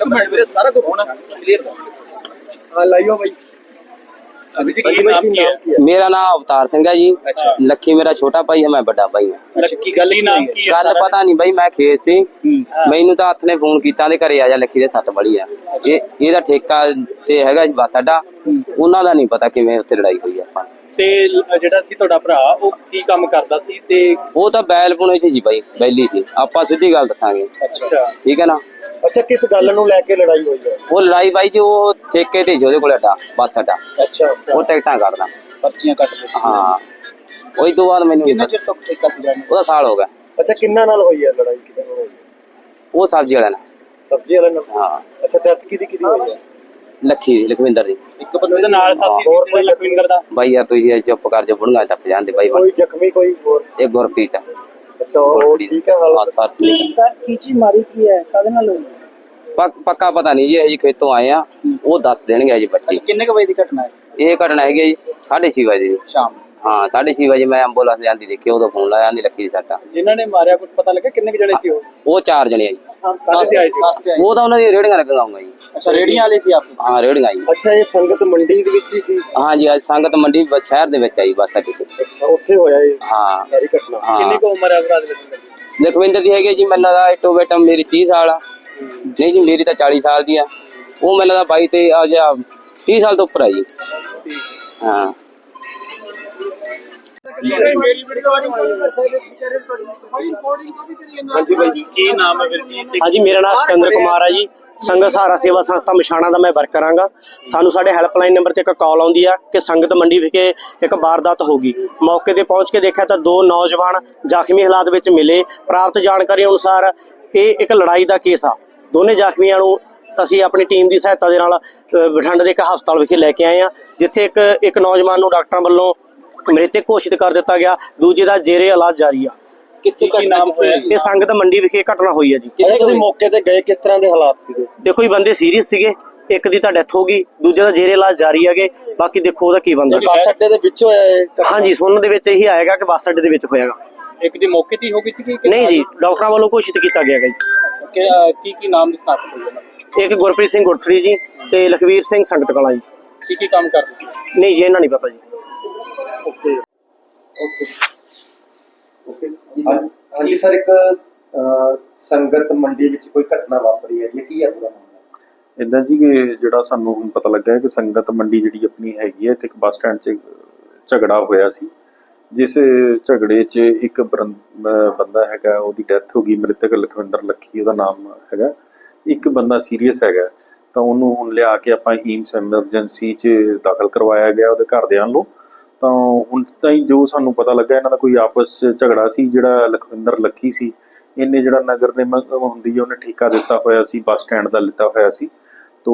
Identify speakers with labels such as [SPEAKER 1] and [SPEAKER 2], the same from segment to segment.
[SPEAKER 1] Minute ਵੀਰੇ ਸਾਰਾ ਕੁਝ ਹੋਣਾ ਕਲੀਅਰ ਕਰ। ਲਾਈਓ ਬਾਈ।
[SPEAKER 2] मेरा नाम अवतार सिंह है जी। लक्की मेरा छोटा भाई है, मैं बड़ा भाई है।
[SPEAKER 1] लक्की गल
[SPEAKER 2] पता नहीं बई, मैं खेत सी मैनू तो हथ ने फोन किया घरे आ जा, लक्की दे सट बड़ी है। ये ठेका ते हैगा जी बस अड्डा, उन्हां दा नहीं पता किवें उत्थे लड़ाई हुई है।
[SPEAKER 3] ते जेड़ा सी तुहाडा भरा ओ की काम करदा सी ते
[SPEAKER 2] वो तो बैल पुणे सी जी भाई, बैली सी। आपां सीधी गल दसांगे,
[SPEAKER 3] अच्छा ठीक है ना।
[SPEAKER 1] अच्छा किस गल नूं लैके लड़ाई हुई है?
[SPEAKER 2] वो लड़ाई भाई जी वो ठेके ते जी कोल अड्डा बस अड्डा।
[SPEAKER 1] अच्छा
[SPEAKER 2] वो टिकटां करदा,
[SPEAKER 1] पर्चियां कट दी।
[SPEAKER 2] हाँ वही तो बाद मैनू
[SPEAKER 1] किन्ने चिर तक ठेका सी जाने?
[SPEAKER 2] ओदा साल हो गया।
[SPEAKER 1] अच्छा किन्ना नाल हुई है लड़ाई? किदे नाल हुई?
[SPEAKER 2] वो सब्जी वाले नाल।
[SPEAKER 1] सब्जी वाले नाल?
[SPEAKER 2] हाँ।
[SPEAKER 1] अच्छा डेथ किदी हुई है?
[SPEAKER 2] लक्की लखविंदर दी।
[SPEAKER 3] एक बंदे दे नाल साथी
[SPEAKER 2] और
[SPEAKER 3] लखविंदर दा
[SPEAKER 2] भाई यार तुसीं चुप कर जो बुढ़गा टप जांदे भाई।
[SPEAKER 1] कोई जख्मी कोई और?
[SPEAKER 2] एक गुरप्रीत है।
[SPEAKER 1] अच्छा और ठीक है हालत?
[SPEAKER 2] हाँ ठीक है।
[SPEAKER 1] की चीज मारी की है कादे नाल हुई?
[SPEAKER 2] पक्का पता नहीं जी, खेतों आए हैं वो दस देंगे जी बच्चे।
[SPEAKER 1] किन्ने क बजे दी घटना है?
[SPEAKER 2] ये घटना है जी 6:30 बजे
[SPEAKER 1] शाम।
[SPEAKER 2] हाँ 6:30 बजे मैं एंबुलेंस जाती देखी, उदो फोन लाया लक्की दी सट्टा।
[SPEAKER 3] जिन्होंने मारिया कुछ पता लगा किन्ने जने सी
[SPEAKER 2] वो 4 जने जी।
[SPEAKER 3] कहां से आए थे?
[SPEAKER 2] वो तो उन्होंने रेड़ियां लगाऊंगा जी।
[SPEAKER 1] अच्छा रेड़ियां वाले सी आप?
[SPEAKER 2] हाँ रेड़ियां जी।
[SPEAKER 1] अच्छा ये संगत मंडी दे विच ही सी?
[SPEAKER 2] हाँ जी आज संगत मंडी शहर दे विच आई बस अड्डे ते।
[SPEAKER 1] अच्छा उत्थे होया ये
[SPEAKER 2] हाँ
[SPEAKER 1] सारी घटना?
[SPEAKER 3] किन्नी को उम्र है भरा दे?
[SPEAKER 2] लखविंदर दी है जी मैनूं लगदा इटो बेटा मेरी 30 साल आ। नहीं जी मेरी तो 40 साल दी है, वो मैंने 22 ते 30 साल तो ऊपर है जी। हाँ
[SPEAKER 4] हाँ जी मेरा नाम सिकंदर कुमार है जी। संगत सहारा सेवा संस्था मछाणा का मैं वर्कर हाँ। सानू साडे हैल्पलाइन नंबर ते एक कॉल आउंदी है कि संगत मंडी विखे एक वारदात हो गई। मौके ते पहुँच के देखा तो 2 नौजवान जख्मी हालात में मिले। प्राप्त जानकारी अनुसार ये एक लड़ाई का केस आ। दोने जख्मियों नूं ਅਸੀਂ अपनी टीम की सहायता के नाल बठिंडे के एक हस्पताल विखे लैके आए हैं, जिथे एक नौजवान नूं डॉक्टरों वालों मृतक घोषित कर दिता गया, दूजे का जेरे इलाज जारी आ। ये संगत मंडी विखे घटना हुई है जी।
[SPEAKER 1] ਤੁਸੀਂ ਮੌਕੇ ਤੇ ਗਏ, ਕਿਸ ਤਰ੍ਹਾਂ ਦੇ ਹਾਲਾਤ ਸੀਗੇ?
[SPEAKER 4] देखो जी बंदे सीरीयस सीगे, एक दी तां डेथ हो गई, दूजे का जेरे इलाज जारी है। बाकी देखो ਉਹਦਾ ਕੀ बनदा।
[SPEAKER 1] ਬੱਸ ਅੱਡੇ ਦੇ ਵਿੱਚ ਹੋਇਆ ਇਹ?
[SPEAKER 4] हाँ जी सुनने ਦੇ ਵਿੱਚ ਇਹੀ ਆਏਗਾ कि ਬੱਸ ਅੱਡੇ ਦੇ ਵਿੱਚ ਹੋਏਗਾ।
[SPEAKER 3] एक दी मौके ते हो गई थी कि
[SPEAKER 4] नहीं जी डॉक्टरों वालों घोषित किया गया जी।
[SPEAKER 3] की नाम दी स्टार्ट होई है?
[SPEAKER 4] एक गुरप्रीत सिंह गुरथड़ी जी ते लखवीर सिंह संगत कला जी।
[SPEAKER 3] की काम कर रहे?
[SPEAKER 4] नहीं जी इन्हां नहीं पता जी।
[SPEAKER 1] ओके ओके हाँ जी सर एक संगत मंडी ਵਿੱਚ ਕੋਈ ਘਟਨਾ ਵਾਪਰੀ ਹੈ ਜੀ, ਕੀ ਹੈ ਪੂਰਾ ਮਾਮਲਾ?
[SPEAKER 5] ਇੱਦਾਂ ਜੀ ਕਿ ਜਿਹੜਾ ਸਾਨੂੰ ਹੁਣ ਪਤਾ ਲੱਗਾ ਹੈ ਕਿ ਸੰਗਤ ਮੰਡੀ ਜਿਹੜੀ ਆਪਣੀ ਹੈਗੀ ਹੈ ਤੇ ਇੱਕ ਬੱਸ ਸਟੈਂਡ 'ਚ ਝਗੜਾ ਹੋਇਆ ਸੀ, ਜਿਸ ਝਗੜੇ 'ਚ ਇੱਕ ਬੰਦਾ ਹੈਗਾ ਉਹਦੀ ਡੈਥ ਹੋ ਗਈ। ਮ੍ਰਿਤਕ ਲਖਵਿੰਦਰ ਲੱਖੀ ਉਹਦਾ ਨਾਮ ਹੈਗਾ। ਇੱਕ ਬੰਦਾ ਸੀਰੀਅਸ ਹੈਗਾ ਤਾਂ ਉਹਨੂੰ ਹੁਣ ਲਿਆ ਕੇ ਆਪਾਂ ਈਮਸ ਐਮਰਜੈਂਸੀ 'ਚ ਦਾਖਲ ਕਰਵਾਇਆ ਗਿਆ ਉਹਦੇ ਘਰਦਿਆਂ ਵੱਲੋਂ। ਤਾਂ ਹੁਣ ਤਾਈਂ ਜੋ ਸਾਨੂੰ ਪਤਾ ਲੱਗਾ ਇਹਨਾਂ ਦਾ ਕੋਈ ਆਪਸ 'ਚ ਝਗੜਾ ਸੀ। ਜਿਹੜਾ ਲਖਵਿੰਦਰ ਲੱਖੀ ਸੀ ਇਹਨੇ ਜਿਹੜਾ ਨਗਰ ਨਿਗਮ ਹੁੰਦੀ ਹੈ ਉਹਨੇ ਠੇਕਾ ਦਿੱਤਾ ਹੋਇਆ ਸੀ, ਬੱਸ ਸਟੈਂਡ ਦਾ ਲਿੱਤਾ ਹੋਇਆ ਸੀ। ਤੋ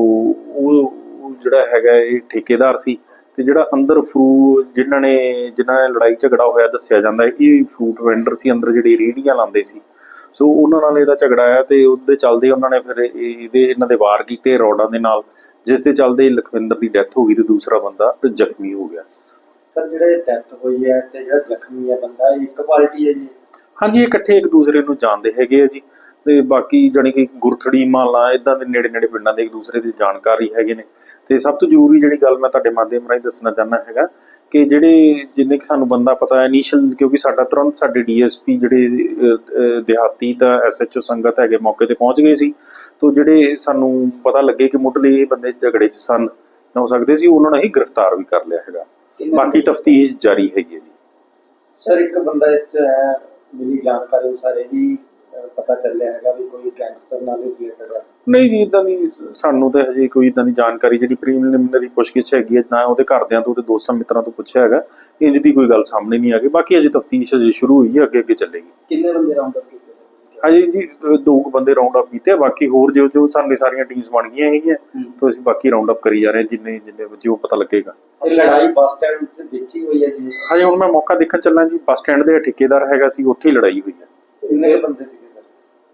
[SPEAKER 5] ਉਹ ਜਿਹੜਾ ਹੈਗਾ ਇਹ ਠੇਕੇਦਾਰ ਸੀ। ਤੇ ਜਿਹੜਾ ਅੰਦਰ ਜਿਨ੍ਹਾਂ ਨੇ ਲੜਾਈ ਝਗੜਾ ਹੋਇਆ ਦੱਸਿਆ ਜਾਂਦਾ ਇਹ ਫਰੂਟ ਵੈਂਡਰ ਸੀ, ਅੰਦਰ ਜਿਹੜੇ ਰੇਹੜੀਆਂ ਲਾਉਂਦੇ ਸੀ। ਸੋ ਉਹਨਾਂ ਨਾਲ ਇਹਦਾ ਝਗੜਾ ਆਇਆ ਤੇ ਉਹਦੇ ਚੱਲਦੇ ਉਹਨਾਂ ਨੇ ਫਿਰ ਇਹਨਾਂ ਦੇ ਵਾਰ ਕੀਤੇ ਰੋਡਾਂ ਦੇ ਨਾਲ, ਜਿਸ ਦੇ ਚੱਲਦੇ ਲਖਵਿੰਦਰ ਦੀ ਡੈਥ ਹੋ ਗਈ ਤੇ ਦੂਸਰਾ ਬੰਦਾ ਤੇ ਜ਼ਖਮੀ ਹੋ ਗਿਆ।
[SPEAKER 1] ਸਰ ਜਿਹੜੇ ਡੈਥ ਹੋਈ ਹੈ ਤੇ ਜਿਹੜਾ ਜ਼ਖਮੀ ਹੈ ਬੰਦਾ ਇਹ ਇੱਕ ਪਾਰਟੀ ਹੈ ਜੀ?
[SPEAKER 5] ਹਾਂਜੀ ਇਕੱਠੇ ਇੱਕ ਦੂਸਰੇ ਨੂੰ ਜਾਣਦੇ ਹੈਗੇ ਆ ਜੀ। ਤੇ ਬਾਕੀ ਜਾਣੀ ਕਿ ਗੁਰਥੜੀ ਮਾਲਾ ਇੱਦਾਂ ਦੇ ਨੇੜੇ ਨੇੜੇ ਪਿੰਡਾਂ ਦੇ ਇੱਕ ਦੂਸਰੇ ਦੀ ਜਾਣਕਾਰੀ ਹੈਗੇ ਨੇ। ਤੇ ਸਭ ਤੋਂ ਜ਼ਰੂਰੀ ਜਿਹੜੀ ਗੱਲ ਮੈਂ ਤੁਹਾਡੇ ਮਾਧਿਅਮ ਰਾਹੀਂ ਦੱਸਣਾ ਚਾਹੁੰਦਾ ਹੈਗਾ ਕਿ ਜਿੰਨੇ ਕਿ ਸਾਨੂੰ ਬੰਦਾ ਪਤਾ ਹੈ ਇਨੀਸ਼ੀਅਲ, ਕਿਉਂਕਿ ਸਾਡਾ ਤੁਰੰਤ ਸਾਡੇ DSP ਜਿਹੜੇ ਦਿਹਾਤੀ ਤਾਂ SHO ਸੰਗਤ ਹੈਗੇ ਮੌਕੇ ਤੇ ਪਹੁੰਚ ਗਏ ਸੀ। ਤੋਂ ਜਿਹੜੇ ਸਾਨੂੰ ਪਤਾ ਲੱਗੇ ਕਿ ਮੁੱਢਲੇ ਇਹ ਬੰਦੇ ਝਗੜੇ 'ਚ ਸਨ ਹੋ ਸਕਦੇ ਸੀ, ਉਹਨਾਂ ਨੂੰ ਹੀ ਗ੍ਰਿਫਤਾਰ ਵੀ ਕਰ ਲਿਆ ਹੈਗਾ। ਬਾਕੀ ਤਫਤੀਸ਼ ਜਾਰੀ ਹੈਗੀ ਹੈ ਜੀ।
[SPEAKER 1] ਸਰ ਇੱਕ ਬੰਦਾ ਇਸ 'ਚ ਹੈ ਮਿਲੀ ਜਾਣਕਾਰੀ ਅਨੁਸਾਰ ਇਹ ਵੀ ਪਤਾ ਚੱਲਿਆ ਹੈਗਾ ਵੀ ਕੋਈ ਗੈਂਗਸਟਰ ਨਾਲ ਰਿਲੇਟਡ ਹੈ?
[SPEAKER 5] ਨਹੀਂ ਜੀ ਇੱਦਾਂ ਦੀ ਸਾਨੂੰ ਤਾਂ ਹਜੇ ਕੋਈ ਇੱਦਾਂ ਦੀ ਜਾਣਕਾਰੀ ਜਿਹੜੀ ਪ੍ਰੀਲਿਮਿਨਰੀ ਪੁੱਛਗਿੱਛ ਹੈਗੀ ਹੈ ਨਾ ਉਹਦੇ ਘਰਦਿਆਂ ਤੋਂ, ਉਹਦੇ ਦੋਸਤਾਂ ਮਿੱਤਰਾਂ ਤੋਂ ਪੁੱਛਿਆ ਹੈਗਾ, ਇੰਜ ਦੀ ਕੋਈ ਗੱਲ ਸਾਹਮਣੇ ਨਹੀਂ ਆ ਗਈ। ਬਾਕੀ ਅਜੇ ਤਫਤੀਸ਼ ਅਜੇ ਸ਼ੁਰੂ ਹੋਈ ਹੈ, ਅੱਗੇ ਚੱਲੇਗੀ।
[SPEAKER 1] ਕਿੰਨੇ ਬੰਦੇ ਰਾਉਂਡ ਅਪ ਕੀਤੇ?
[SPEAKER 5] ਹਜੇ ਜੀ 2 ਬੰਦੇ ਰਾਉਂਡ ਅਪ ਕੀਤੇ, ਬਾਕੀ ਹੋਰ ਜੋ ਸਾਡੇ ਸਾਰੀਆਂ ਟੀਮਸ ਬਣ ਗਈਆਂ ਹੈਗੀਆਂ ਤਾਂ ਅਸੀਂ ਬਾਕੀ ਰਾਉਂਡ ਅਪ ਕਰੀ ਜਾ ਰਹੇ ਜਿੰਨੇ ਜੋ ਪਤਾ ਲੱਗੇਗਾ।
[SPEAKER 1] ਲੜਾਈ ਬੱਸ ਸਟੈਂਡ ਦੇ ਵਿੱਚ ਹੀ ਹੋਈ ਹੈ ਜੀ?
[SPEAKER 5] ਹਜੇ ਹੁਣ ਮੈਂ ਮੌਕਾ ਦੇਖਣ ਚੱਲਾਂ ਜੀ। ਬੱਸ ਸਟੈਂਡ ਦੇ ਠੇਕੇਦਾਰ ਹੈਗਾ ਸੀ, ਉੱਥੇ ਹੀ ਲੜਾਈ ਹੋਈ ਹੈ।
[SPEAKER 1] ਕਿੰਨੇ ਬੰਦੇ ਸੀਗੇ ਸਰ?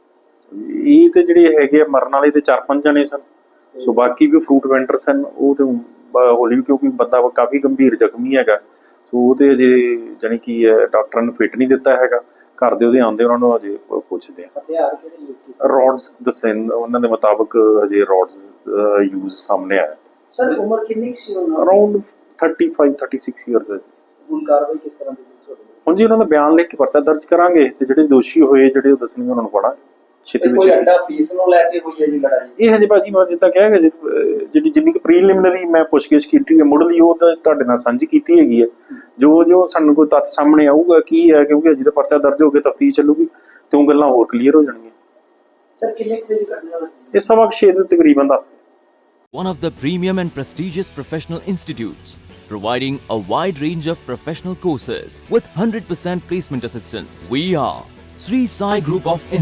[SPEAKER 5] ਇਹ ਤੇ ਜਿਹੜੇ ਹੈਗੇ ਮਰਨ ਵਾਲੇ ਤੇ 4-5 ਜਣੇ ਸਨ। ਸੋ ਬਾਕੀ ਵੀ ਫਰੂਟ ਵੈਂਡਰ ਸਨ। ਉਹ ਤੇ ਹੌਲੀ ਕਿਉਂਕਿ ਬੰਦਾ ਕਾਫੀ ਗੰਭੀਰ ਜ਼ਖਮੀ ਹੈਗਾ, ਸੋ ਉਹ ਤੇ ਅਜੇ ਜਾਣੀ ਕਿ ਡਾਕਟਰਾਂ ਨੇ ਫਿੱਟ ਨਹੀਂ ਦਿੱਤਾ ਹੈਗਾ। ਘਰ ਦੇ ਉਹਦੇ ਆਉਂਦੇ ਉਹਨਾਂ ਨੂੰ ਅਜੇ ਪੁੱਛਦੇ ਆ।
[SPEAKER 1] ਹਥਿਆਰ ਕਿਹੜੇ ਯੂਜ਼ ਕੀਤੇ?
[SPEAKER 5] ਰੋਡਸ ਦੱਸੇ ਉਹਨਾਂ ਦੇ ਮੁਤਾਬਕ ਹਜੇ ਰੋਡਸ ਯੂਜ਼ ਸਾਹਮਣੇ ਆਇਆ।
[SPEAKER 1] ਸਰ ਉਮਰ ਕਿੰਨੀ ਕੁ ਸੀ ਉਹਨਾਂ ਦੀ?
[SPEAKER 5] ਅਰਾਊਂਡ 35-36 ਇਅਰਸ ਹੈ।
[SPEAKER 1] ਹੁਣ ਕਾਰਵਾਈ ਕਿਸ ਤਰ੍ਹਾਂ ਦੀ ਤੁਹਾਡੇ?
[SPEAKER 5] ਹੁਣ ਜੀ ਉਹਨਾਂ ਦਾ ਬਿਆਨ ਲਿਖ ਕੇ ਪਰਚਾ ਦਰਜ ਕਰਾਂਗੇ ਤੇ ਜਿਹੜੇ ਦੋਸ਼ੀ ਹੋਏ ਜਿਹੜੇ ਉਹ ਦੱਸਣਗੇ ਉਹਨਾਂ ਨੂੰ ਫੜਾਂਗੇ ਛੇਤੀ
[SPEAKER 1] ਕੋਈ
[SPEAKER 5] ਵਿੱਚ।
[SPEAKER 1] ਅੱਡਾ ਫੀਸ ਨੂੰ ਲੈ ਕੇ ਹੋਈ ਹੈ ਜੀ ਲੜਾਈ?
[SPEAKER 5] ਇਹ ਹਜੇ ਭਾਜੀ ਮੈਂ ਜਿੱਦਾਂ ਕਿਹਾ ਗਿਆ ਜਿਹੜੀ ਜਿੰਨੀ ਕੁ ਪ੍ਰੀਲਿਮਿਨਰੀ ਮੈਂ ਪੁੱਛਗਿੱਛ ਕੀਤੀ ਹੈ ਮੁੱਢਲੀ ਉਹ ਤਾਂ ਤੁਹਾਡੇ ਨਾਲ ਸਾਂਝੀ ਕੀਤੀ ਹੈਗੀ ਹੈ। ਜੋ ਸਾਨੂੰ ਕੋਈ ਤੱਥ ਸਾਹਮਣੇ ਆਊਗਾ ਕੀ ਹੈ, ਕਿਉਂਕਿ ਅਜੇ ਤਾਂ ਪਰਚਾ ਦਰਜ ਹੋ ਕੇ ਤਫਤੀਸ਼ ਚੱਲੂਗੀ ਤੇ ਉਹ ਗੱਲਾਂ ਹੋਰ ਕਲੀਅਰ ਹੋ ਜਾਣਗੀਆਂ।
[SPEAKER 1] ਸਰ ਕਿੰਨੇ ਕੁ ਵਜੇ ਘਟਨਾ ਹੋਈ?
[SPEAKER 5] ਇਹ 6:15 ਦੇ ਤਕਰੀਬਨ ਦੱਸਦੇ।
[SPEAKER 6] One of the premium and prestigious professional institutes, providing a wide range of professional courses with 100% placement assistance. We are Sri Sai Group of